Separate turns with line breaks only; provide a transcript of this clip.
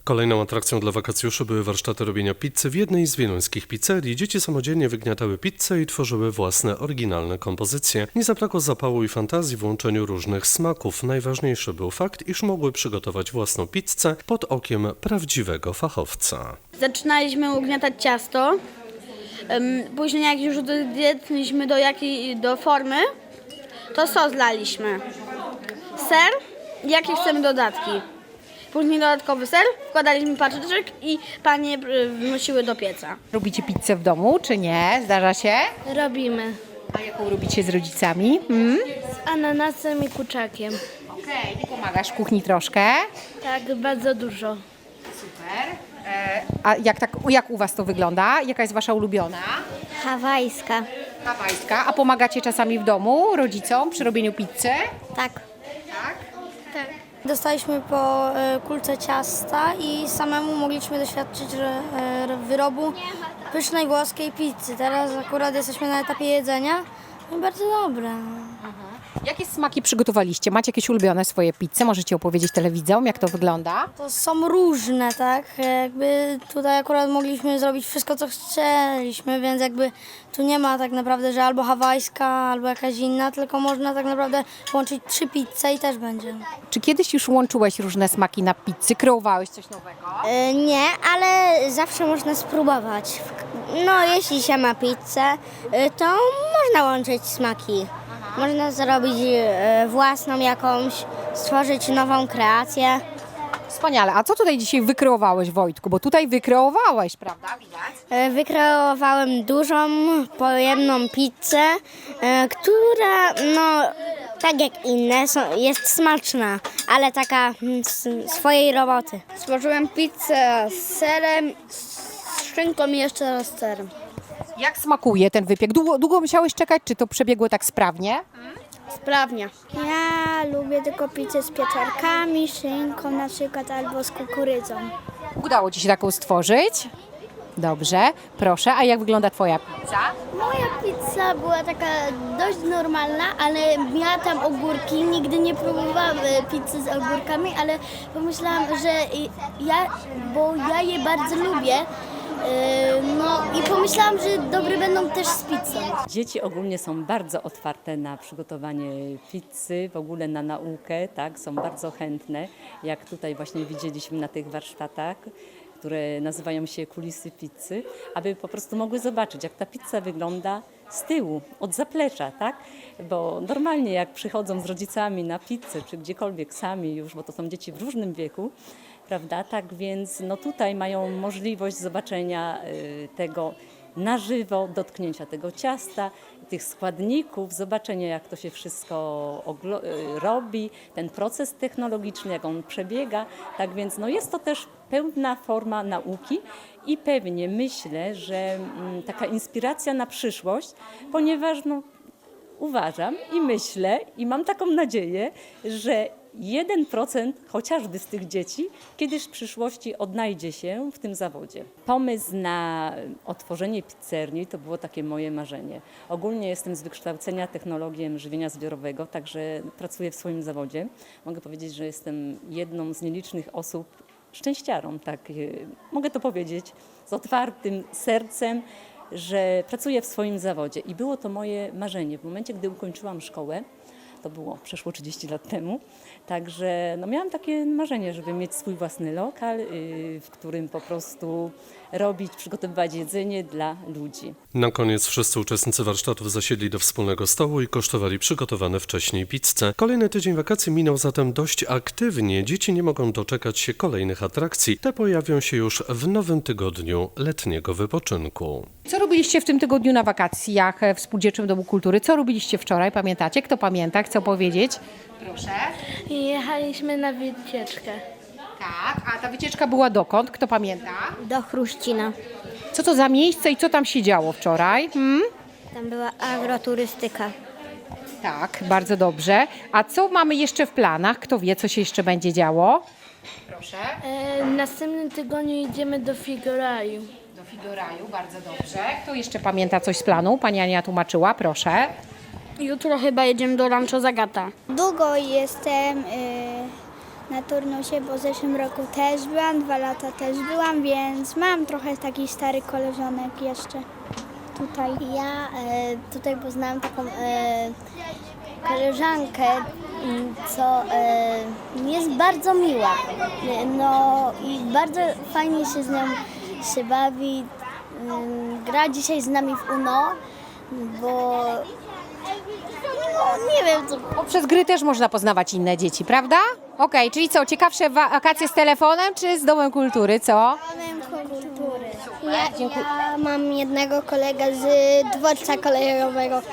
Kolejną atrakcją dla wakacjuszy były warsztaty robienia pizzy w jednej z wieluńskich pizzerii. Dzieci samodzielnie wygniatały pizzę i tworzyły własne, oryginalne kompozycje. Nie zabrakło zapału i fantazji w łączeniu różnych smaków. Najważniejszy był fakt, iż mogły przygotować własną pizzę pod okiem prawdziwego fachowca.
Zaczynaliśmy ugniatać ciasto, później jak już dojedliśmy do formy, to sos laliśmy. Ser i jakie chcemy dodatki. Później dodatkowy ser, wkładaliśmy paczyczek i panie wnosiły do pieca.
Robicie pizzę w domu, czy nie? Zdarza się?
Robimy
A jaką robicie z rodzicami?
z ananasem i kurczakiem.
Okej, ty pomagasz w kuchni troszkę.
Tak, bardzo dużo.
Super. A jak u was to wygląda? Jaka jest wasza ulubiona?
Hawajska.
Hawajska. A pomagacie czasami w domu rodzicom przy robieniu pizzy?
Tak.
Tak.
Dostaliśmy po kulce ciasta i samemu mogliśmy doświadczyć wyrobu pysznej włoskiej pizzy. Teraz akurat jesteśmy na etapie jedzenia i bardzo dobre.
Jakie smaki przygotowaliście? Macie jakieś ulubione swoje pizze? Możecie opowiedzieć telewidzom, jak to wygląda?
To są różne, tak? Jakby tutaj akurat mogliśmy zrobić wszystko, co chcieliśmy, więc jakby tu nie ma tak naprawdę, że albo hawajska, albo jakaś inna, tylko można tak naprawdę połączyć 3 pizze i też będzie.
Czy kiedyś już łączyłeś różne smaki na pizzy? Kreowałeś coś nowego?
Nie, ale zawsze można spróbować. No, jeśli się ma pizzę, to można łączyć smaki. Można zrobić własną jakąś, stworzyć nową kreację.
Wspaniale. A co tutaj dzisiaj wykreowałeś, Wojtku? Bo tutaj wykreowałeś, prawda? Widać?
Wykreowałem dużą, pojemną pizzę, która, no, tak jak inne, jest smaczna, ale taka swojej roboty.
Stworzyłem pizzę z serem, z szynką i jeszcze raz z serem.
Jak smakuje ten wypiek? Długo musiałeś czekać, czy to przebiegło tak sprawnie?
Sprawnie.
Ja lubię tylko pizzę z pieczarkami, szynką na przykład albo z kukurydzą.
Udało ci się taką stworzyć? Dobrze, proszę. A jak wygląda twoja pizza?
Moja pizza była taka dość normalna, ale miała tam ogórki. Nigdy nie próbowałam pizzy z ogórkami, ale pomyślałam, że bo ja je bardzo lubię. No i pomyślałam, że dobre będą też z pizzą.
Dzieci ogólnie są bardzo otwarte na przygotowanie pizzy, w ogóle na naukę, tak, są bardzo chętne, jak tutaj właśnie widzieliśmy na tych warsztatach, które nazywają się kulisy pizzy, aby po prostu mogły zobaczyć, jak ta pizza wygląda z tyłu, od zaplecza, tak? Bo normalnie jak przychodzą z rodzicami na pizzę, czy gdziekolwiek sami już, bo to są dzieci w różnym wieku, prawda? Tak więc no tutaj mają możliwość zobaczenia tego na żywo, dotknięcia tego ciasta, tych składników, zobaczenia jak to się wszystko robi, ten proces technologiczny, jak on przebiega. Tak więc no jest to też pełna forma nauki i pewnie myślę, że taka inspiracja na przyszłość, ponieważ no, uważam i myślę i mam taką nadzieję, że 1% chociażby z tych dzieci kiedyś w przyszłości odnajdzie się w tym zawodzie. Pomysł na otworzenie pizzerii to było takie moje marzenie. Ogólnie jestem z wykształcenia technologiem żywienia zbiorowego, także pracuję w swoim zawodzie. Mogę powiedzieć, że jestem jedną z nielicznych osób, szczęściarą, tak mogę to powiedzieć, z otwartym sercem, że pracuję w swoim zawodzie i było to moje marzenie. W momencie, gdy ukończyłam szkołę, to było przeszło 30 lat temu, także no miałam takie marzenie, żeby mieć swój własny lokal, w którym po prostu robić, przygotowywać jedzenie dla ludzi.
Na koniec wszyscy uczestnicy warsztatów zasiedli do wspólnego stołu i kosztowali przygotowane wcześniej pizzę. Kolejny tydzień wakacji minął zatem dość aktywnie. Dzieci nie mogą doczekać się kolejnych atrakcji. Te pojawią się już w nowym tygodniu letniego wypoczynku.
Co robiliście w tym tygodniu na wakacjach w Spółdzielczym Domu Kultury? Co robiliście wczoraj? Pamiętacie? Kto pamięta? Chce powiedzieć? Proszę.
Jechaliśmy na wycieczkę.
Tak, a ta wycieczka była dokąd? Kto pamięta?
Do Chruścina.
Co to za miejsce i co tam się działo wczoraj?
Tam była agroturystyka.
Tak, bardzo dobrze. A co mamy jeszcze w planach? Kto wie, co się jeszcze będzie działo? Proszę.
W następnym tygodniu idziemy do Figuraju.
Do Figuraju, bardzo dobrze. Kto jeszcze pamięta coś z planu? Pani Ania tłumaczyła, proszę.
Jutro chyba jedziemy do Rancho Zagata.
Długo jestem na turnusie, bo w zeszłym roku też byłam, 2 lata też byłam, więc mam trochę takich starych koleżanek jeszcze tutaj. Ja tutaj poznałam taką koleżankę, co jest bardzo miła. No i bardzo fajnie się z nią się bawi. Gra dzisiaj z nami w UNO, bo nie wiem co.
Poprzez gry też można poznawać inne dzieci, prawda? Okej, czyli co, ciekawsze wakacje z telefonem czy z Domem Kultury, co?
Ja mam jednego kolegę z dworca kolejowego.